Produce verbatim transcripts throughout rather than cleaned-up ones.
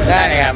ได้ครับ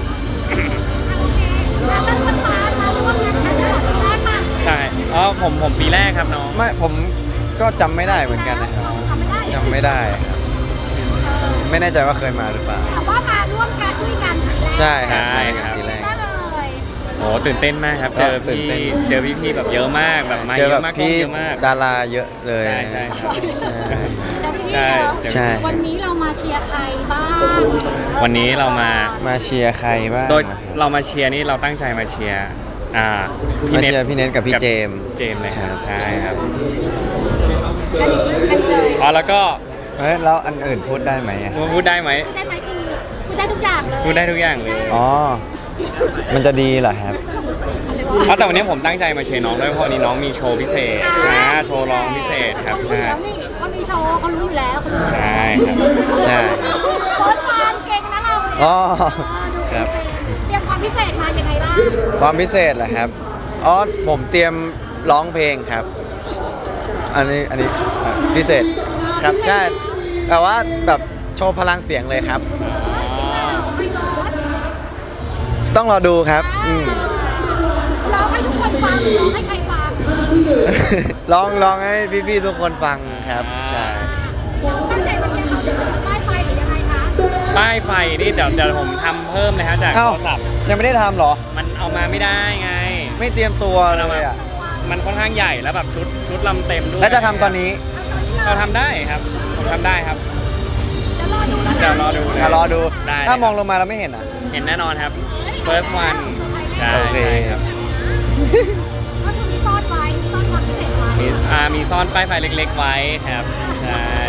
เราเป็นคนมาเราร่วมงานแคสต์ปีแรกมาใช่อ๋อผมผมปีแรกครับน้องไม่ผมก็จำไม่ได้เหมือนกันนะครับจำไม่ได้จำไม่ได้ครับไม่แน่ใจว่าเคยมาหรือเปล่าแต่ว่ามาร่วมกันด้วยกันปีแรกใช่ครับใช่ครับทีแรกได้เลยโอ้ตื่นเต้นมากครับ เจอตื่นพี่เต้นเจอพี่พี่ๆแบบเยอะมากแบบมาเจเยอแบอะบมากกล้องพี่เยอะมากดาราเยอะเลยใช่ใช่ครับจะพี่ใช่เนาะเจอใช่วันนี้เรามาเชียร์ใครบ้างวันนี้เรามามาเชียร์ใครบ้างโดยเรามาเชียร์นี่เราตั้งใจมาเชียร์อ่ามาเชียร์พี่เน็ตกับพี่เจมส์เจมส์เลยครับใช่ครับกันนี้กันเลยอ๋อแล้วก็เฮ้ยแล้วอันอื่นพูดได้ไหมอะพูดได้ไหมพูดได้ไหมคือพูดได้ทุกอย่างเลยพูดได้ทุกอย่างเลยอ๋อมันจะดีเหรอครับเพราะแต่วันนี้ผมตั้งใจมาเชียร์น้องด้วยเพราะวันนี้น้องมีโชว์พิเศษนะโชว์ร้องพิเศษครับเขารู้ใช่แล้วนี่เขามีโชว์เขารู้อยู่แล้วเขารู้อยู่แล้วใช่ครับใช่โค้ชฟานเก่งนะเราเนี่ยอ๋อเออดูครับเตรียมความพิเศษมายังไงบ้างความพิเศษเหรอครับอ๋อผมเตรียมร้องเพลงครับ อันนี้อันนี้อ่ะพิเศษครับใช่แต่ว่าแบบโชว์พลังเสียงเลยครับไม่ก็ต้องรอดูครับอืมร้องให้ทุกคนฟังร้องให้ใครฟังร้องร้องให้พี่ๆทุกคนฟังครับใช่ตั้งใจมาเชียร์เขาเดี๋ยวจะป้ายไฟหรือยังไงคะป้ายไฟนี่เดี๋ยวเดี๋ยวผมทำเพิ่มเลยฮะจากโทเอ้ารศัพท์ยังไม่ได้ทำเหรอมันเอามาไม่ได้ไงไม่เตรียมตัวเลยอ่ะมันค่อนข้างใหญ่แล้วแบบชุดชุดลำเต็มด้วยแล้วจะทำตอนนี้เราทำได้ครับ ผมทำได้ครับเดี๋ยวรอดูนะเดี๋ยวรอดูเลยอ่ะรอดูได้ถ้ามองลงมาแล้วไม่เห็นอ่ะเห็นแน่นอนครับ first one ใช่โอเคใช่ครับก็คือมีซ่อนไว้มีซ่อนความพิเศษไว้มีอ่ามีซ่อนป้ายไฟเล็ก ๆ ไว้ครับใช่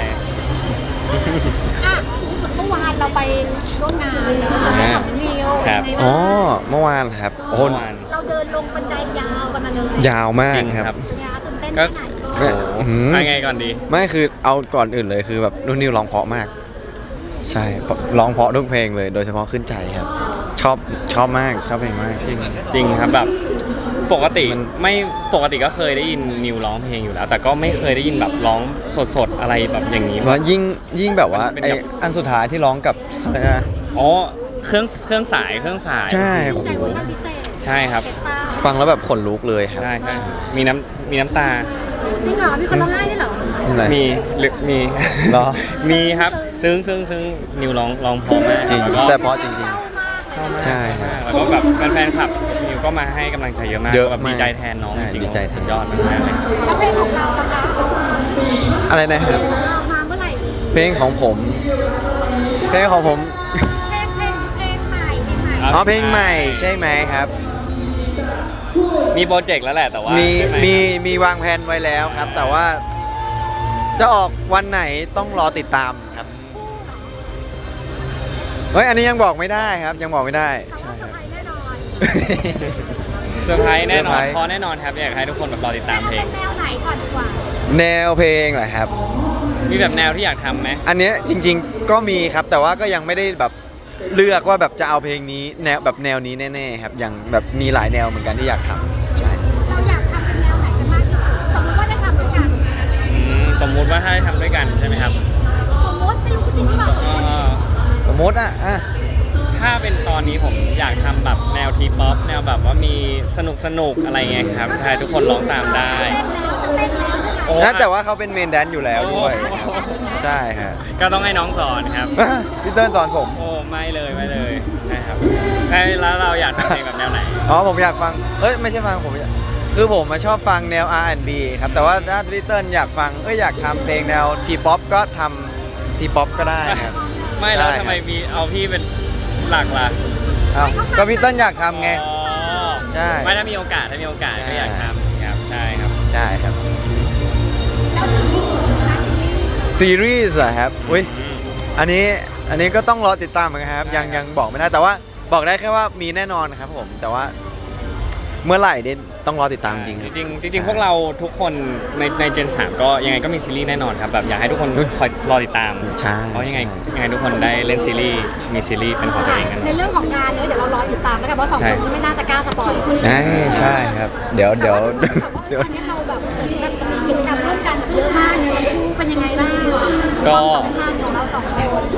อ่ะเมื่อวานเราไปร่วมงานเนอะโชว์ของนิวครับเป็นไงอ๋อบ้างเมื่อวานครับโอ้โหเมื่อวานเราเดินลงบันไดยาวกันมาเลยยาวมากจริงคครัรับบเป็นไงคะตื่นเต้นก็แค่ไหนแม่โอ้โหอื้อหือไปไงก่อนดีไม่คือเอาก่อนอื่นเลยคือแบบนุ่นนิวร้องเพราะมาก ใช่ร้องเพราะทุกเพลงเลย โดยเฉพาะขึ้นใจครับ ชอบชอบมากชอบเพลงมากจริงจริงครับแบบปกติมันไม่ปกติก็เคยได้ยินนิวร้องเพลงอยู่แล้ว แต่ก็ไม่เคยได้ยินแบบร้องสดๆอะไรแบบอย่างนี้ว่ายิ่งยิ่งแบบว่าเป็นไอแบบอันสุดท้ายที่ร้องกับอะไรนะอ๋อเครื่องเครื่องสายเครื่องสายใช่ใจเวอร์ชันพิเศษใช่ครับเอสตาฟังแล้วแบบขนลุกเลยครับใช่ใช่มีน้ำมีน้ำตาจริงเหรอมีคนร้องไห้ด้วยเหรอนี่อะไรมีหรือมีเหรอมีครับ ซึ่งซึ่งซึ่งนิวร้องร้องเพอมากจริงแล้วก็แต่เพราะจริงเศร้ามากใช่ครับแล้วก็แบบแฟนๆคลับนิวก็มาให้กำลังใจเยอะมากเยอะแบบมากดีใจแทนน้องใช่จริงดีใจสุดยอดมากๆเลยแล้วเพลงของเรานะคะๆ อะไรนะครับของเรามาเมื่อไหร่ดีเพลงของผม เพลงของผมเพลงเพลงเพลงใหม่เพลงใหม่อ๋อเพลงใหม่ใช่ไหมครับมีโปรเจกต์แล้วแหละแต่ว่ามีใช่ไหมีครับมีวางแผนไว้แล้วครับ แต่ว่า จะออกวันไหนต้องรอติดตามครับเฮ้ยอันนี้ยังบอกไม่ได้ครับ ยังบอกไม่ได้แต่ใช่ว่าเซอคร์รับไพรส์แน่นอนเซอร์ไพรส์แน่นอนเซอร์ไพรส์พอแน่นอนครับอยากให้ทุกคนแบบรอติดตามเพลงแนวไหนก่อนดีกว่าแนวเพลงเหรอครับมีแบบแนวที่อยากทำไหมอันเนี้ยจริง ๆ ก็มีครับ แต่ว่าก็ยังไม่ได้แบบเลือกว่าแบบจะเอาเพลงนี้แนวแบบแนวนี้แน่ๆครับยังแบบมีหลายแนวเหมือนกันที่อยากทำใช่เราอยากทำเป็นแนวไหนกันมากที่สุดสมมติว่าได้ทำด้วยกันอืมสมมุติว่าถ้าได้ทำด้วยกันใช่ไหมครับสมมติไม่รู้จริงหรือเปล่าสมมก็ติสมมติอ่ะอ่ะถ้าเป็นตอนนี้ผมอยากทำแบบแนวทีป๊อปแนวแบบว่ามีสนุกสนุกๆอะไรเงี้ยครับให้ทุกคนร้องตามได้เต้นแล้วจะเต้นแล้วใช่ไหมโอ้นะแต่ว่าเขาเป็นเมนแดนซ์อยู่แล้วด้วย ใช่ครับก็ต้องให้น้องสอนครับพี่เติ้ลสอนผมโอ้ไม่เลยไม่เลยนะครับแล้วเราอยากทำเพลงแบบแนวไหนอ๋อผมอยากฟังเอ้ยไม่ใช่ฟังผมอยากคือผมมาชอบฟังแนว อาร์ แอนด์ บี ครับแต่ว่าถ้าพี่เติ้ลอยากฟังเอ้ยอยากทำเพลงแนวทีป๊อปก็ทำทีป๊อปก็ได้ครับไม่แล้วได้ครับทำไมมีเอาพี่เป็นหลักล่ะเอ้าก็พี่เติ้ลอยากทำไงอ๋อใช่ไม่ถ้ามีโอกาสถ้ามีโอกาสใช่ก็อยากทำครับใช่ครับใช่ครับแล้วซีรีส์นะซีรีส์ซีรีส์เหรอครับอุ้ยอืมอันนี้อันนี้ก็ต้องรอติดตามเหมือนกันครับ ยังยังบอกไม่ได้แต่ว่าบอกได้แค่ว่ามีแน่นอนครับผมแต่ว่าเมื่อไหร่เนี่ยต้องรอติดตามจริงครับจริงๆจริงๆพวกเราทุกคนในในเจนสามก็ยังไงก็มีซีรีส์แน่นอนครับแบบอยากให้ทุกคนคอยรอติดตามใช่เพราะยังไงใช่ยังไงทุกคนได้เล่นซีรีส์มีซีรีส์เป็นของตัวเองกันในเรื่องของงานเนี่ยเดี๋ยวเรารอติดตามแล้วกันเพราะสองใช่คนไม่น่าจะกล้าสปอยใช่ใช่ครับ เดี๋ยวเดี๋ยวแต่ว่าเดี๋ยวตอนนี้เราแบบเหมือนแบบมีกิจกรรมร่วมกันเยอะมากเนี่ยเป็นยังไงบ้างก็ความสัมพันธ์ของเราสองคน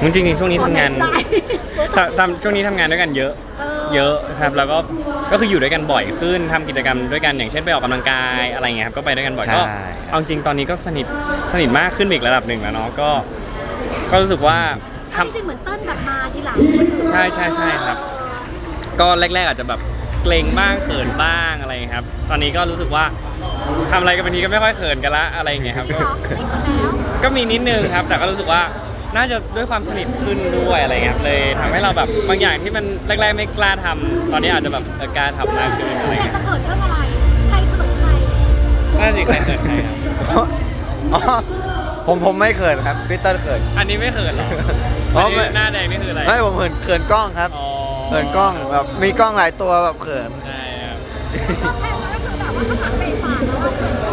จริงๆช่วงนี้ทำงานใจทำทำช่วงนี้ทำงานด้วยกันเยอะเออเยอะครับแล้วก็ก็คืออยู่ด้วยกันบ่อยขึ้นทำกิจกรรมด้วยกันอย่างเช่นไปออกกำลังกายอะไรเงี้ยครับก็ไปด้วยกันบ่อยก็ใช่เอาจริงตอนนี้ก็สนิทสนิทมากขึ้นอีกระดับหนึ่งแล้วเนาะก็ก็รู้สึกว่าทำจริงๆเหมือนเติ้ลแบบมาทีหลังคนอื่นใช่ใช่ใช่ครับ ก็แรกๆอาจจะแบบเกรงบ้างเขินบ้างอะไรอย่างเงี้ยครับ ตอนนี้ก็รู้สึกว่าทำอะไรกันบางทีก็ไม่ค่อยเขินกันละอะไรอย่างเงี้ยครับจริงก็เหรอไม่คนแล้วก็มีนิดนึงครับ แต่ก็รู้สึกว่าน่าจะด้วยความสนิทขึ้นด้วยอะไรเงี้ยครับเลยทำให้เราแบบบางอย่างที่มันแรกๆไม่กล้าทำตอนนี้อาจจะแบบเออกล้าทำมากขึ้นอะไรแต่เงี้ยจะเขินเรื่องอะไรใครเขินใครน่าสิใครเขินใครครับอ๋อผมผมไม่เขินครับพี่เติ้ลเขินอันนี้ไม่เขินหรออ๋อัอน ไม่นี้หน้าแดงนี่คืออะไรไม่ผมเขินเขินกล้องครับอ๋อเขินกล้องแบบมีกล้องหลายตัวแบบเขินใช่ครับตอนแรกก็คือแบบว่าข้างหลังเบรกฝาแล้วก็เขิน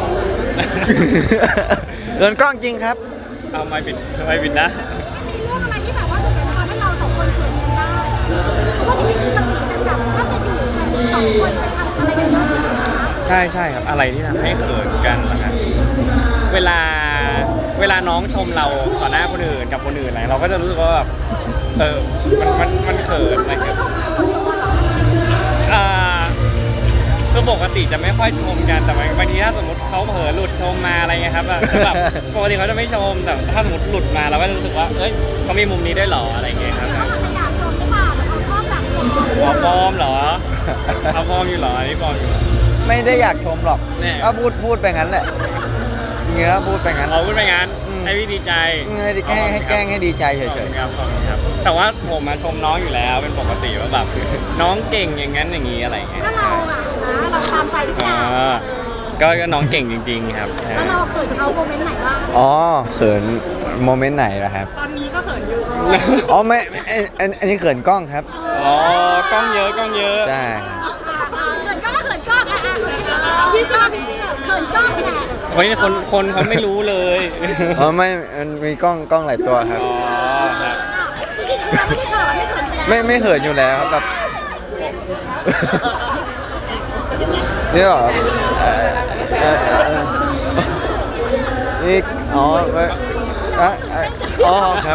เขินกล้องจริงครับเอาไม้ปิดไม้ปิดนะมีเรื่องอะไรที่แบบว่าส่วนใหญ่จะทำให้เราสองคนเขินกันได้เพราะว่าจริงๆคือสนิทกันแบบถ้าจะอยู่กันสองคนไปทำอะไรกันเยอะที่สุดนะใช่ใช่ครับอะไรที่ทำให้เขินกันล่ะครับเวลาเวลาน้องชมเราต่อหน้าคนอื่นกับคนอื่นอะไรเราก็จะรู้สึกว่าแบบเออมันมันมันเขินอะไรไม่เงี้ยชมส่วนตัวหรออ่าคือปกติจะไม่ค่อยชมกันแต่บางทีถ้าสมมติเขาเผลอหลุดชมมาอะไรเงี้ยครับอะจะแบบปกติเขาจะไม่ชมแต่ถ้าสมมติหลุดมาเราก็จะรู้สึกว่าเอ้ยเขามีมุมนี้ด้วยเหรออะไรเงี้ยครับเขาอาจจะอยากชมหรือเปล่าแต่เขาชอบแบบปลอมอ๋อปลอมเหรอเขาปลอมอยู่เหรออันนี้ปลอมอยู่เหรอไม่ได้อยากชมหรอกแน่ก็พูดพูดไปงั้นแหละเงี้ยพูดไปงั้นเอาพูดไปงั้นอืมให้พี่ดีใจให้แกล้งให้แกล้งให้ดีใจขอบเฉคุยณครับขอบคุณครับ แต่ว่าผมมาชมน้องอยู่แล้วเป็นปกติว่าแบบ น้องเก่งอย่างนั้นอย่างนี้อะไรอย่างเงี้ยถ้าเราอะนะเราตามใจทุกอย่างอ่าก็ก็น้องเก่งจริง ๆ ครับใช่แล้วเราเขินเขาโมเมนต์ไหนบ้างๆอ๋อเขินโมเมนต์ไหนล่ะครับตอนนี้ก็เขินอยู่อ๋อไม่อันอันอันนี้เขินกล้องครับอ๋อกล้องเยอะกล้องเยอะใช่เขินกล้องก็เขินกล้องอ่ะอ่ะพี่ชอบพี่เชื่อเขินกล้องแหละเฮ้ยคนคนเขาไม่รู้เลยอ๋อไม่มันมีกล้องกล้องหลายตัวครับอ๋อครับจริงๆเราไม่ได้เขินไม่เขินอยู่แล้วไม่ไม่เขินอยู่แล้วครับแบบนี่เหรอเอ่อเอ่อเอ่อนี่อ๋อไม่อ่ะอ่ะอ๋อครับ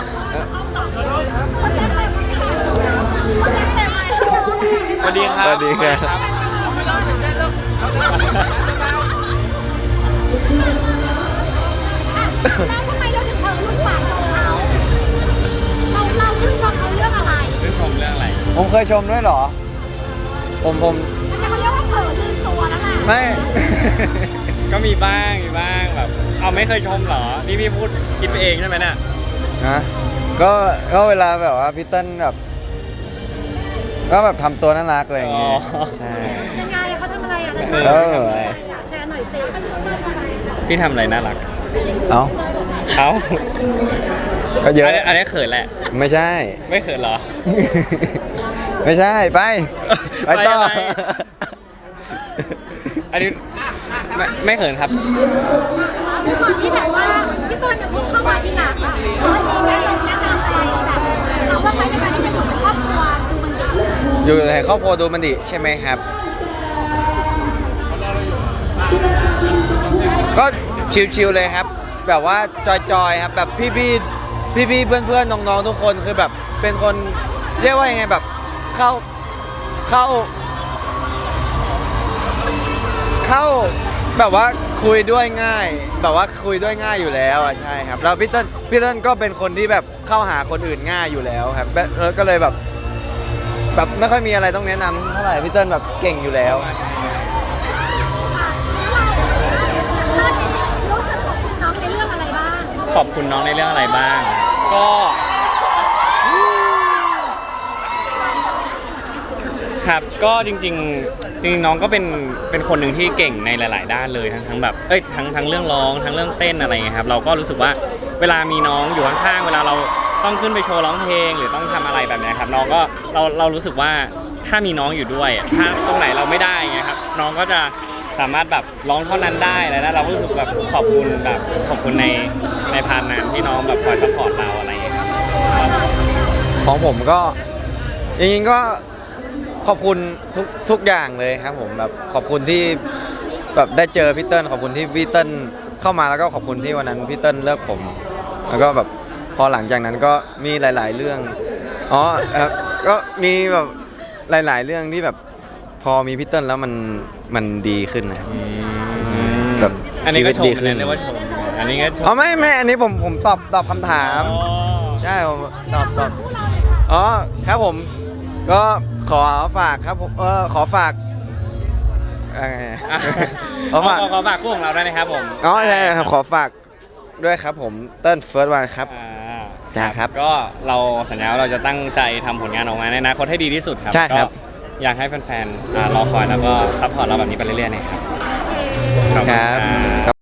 สวัสดีครับสวัสดีครับแล้วทำไมเราถึงเผลอหลุดปากชมเขาเราเราชื่นชมเขาเรื่องอะไรเรื่องชมเรื่องอะไรผมเคยชมด้วยเหรอ ผมผมมันจะเขาเรียกว่าเผลอลืมตัวแล้วล่ะไม่ก็มีบ้างมีบ้างแบบ เอาไม่เคยชมเหรอ นี่พี่พูดคิดไปเองใช่ไหมเนี่ยนะก็ก็เวลาแบบว่าพี่เติ้ลแบบ ก็แบบทำตัวน่ารักอะไรอย่างเงี้ยอ๋อใช่ยังไงเขาทำอะไรอ่ะเอออยากแชร์หน่อยสิพี่ทำอะไรน่ารักเอ้าเอ้าก็เยอะอันนี้อันนี้เขินแหละไม่ใช่ไม่เขินเหรอไม่ใช่ไปไปต่อไปอะไร อันนี้ไม่ไม่เขินครับด้วยความที่แบบว่าพี่ตูนจะพุ่งเข้ามาทีหลังอ่ะเขามีแนะนำแนะนำอะไรแบบเขาว่าไปในการที่จะอยู่เป็นครอบครัวดูมันดีอยู่ในครอบครัวดูมันดิใช่ไหมครับ ก็ชิวๆเลยครับ แบบว่าจอยๆครับแบบพี่ๆพี่ๆเพื่อนๆน้องๆทุกคนคือแบบเป็นคนเรียกว่ายังไงแบบเข้าเข้า เข้าแบบว่าคุยด้วยง่าย แบบว่าคุยด้วยง่ายอยู่แล้วอ่ะใช่ครับแล้วพี่เติ้ลพี่เติ้ลก็เป็นคนที่แบบเข้าหาคนอื่นง่ายอยู่แล้วครับแล้วก็เลยแบบ แบบไม่ค่อยมีอะไรต้องแนะนำเท่าไหร่พี่เติ้ลแบบเก่งอยู่แล้วรู้สึกขอบคุณน้องในเรื่องอะไรบ้างขอบคุณน้องในเรื่องอะไรบ้าง ก็ครับก็จริงๆจริงๆน้องก็เป็นเป็นคนหนึ่งที่เก่งในหลาย ๆ ด้านเลยทั้งทั้งแบบเอ้ยทั้งทั้งเรื่องร้องทั้งเรื่องเต้นอะไรเงี้ยครับเราก็รู้สึกว่าเวลามีน้องอยู่ข้างๆเวลาเราต้องขึ้นไปโชว์ร้องเพลงหรือต้องทำอะไรแบบเนี้ยครับน้องก็เราเรารู้สึกว่าถ้ามีน้องอยู่ด้วยอะถ้าตรงไหนเราไม่ได้เงี้ยครับน้องก็จะสามารถแบบร้องเท่านั้นได้แล้วนะเราก็รู้สึกแบบขอบคุณแบบขอบคุณในในพาร์ทนั้นที่น้องแบบคอยซัพพอร์ตเราอะไรอย่างเงี้ยครับของผมก็จริงๆก็ขอบคุณทุกทุกอย่างเลยครับผมแบบขอบคุณที่แบบได้เจอพี่เติ้ลขอบคุณที่พี่เติ้ลเข้ามาแล้วก็ขอบคุณที่วันนั้นพี่เติ้ลเลือกผม แล้วก็แบบพอหลังจากนั้นก็มีหลาย ๆ เรื่องอ๋อครับก็มีแบบหลาย ๆ เรื่องที่แบบพอมีพี่เติ้ลแล้วมันมันดีขึ้นนะแบบอันนี้ชีก็วิตชมดีขึ้นนะเรียกว่าชมอันนี้ก็ชมอ๋อไม่ไม่อันนี้ผมผมตอบตอบคำถามอ๋อใช่ผมตอบตอบคู่เราเลยค่ะอ๋อครับผมก็ขอฝากครับผมเออขอฝากอะไรอ่ะขอฝากขอฝากคู่ของเราด้วยนะครับผมอ๋อใช่ครับขอฝากด้วยครับผมเติ้ลเฟิร์สวันครับอ่าจ้าครับก็เราสัญญาว่าเราจะตั้งใจทำผลงานออกมาในอนาคตให้ดีที่สุดครับใช่ครับก็อยากให้แฟนๆอ่ารอคอยแล้วก็ซัพพอร์ตเราแบบนี้ไปเรื่อยๆนะครับขอบคุณครับครับ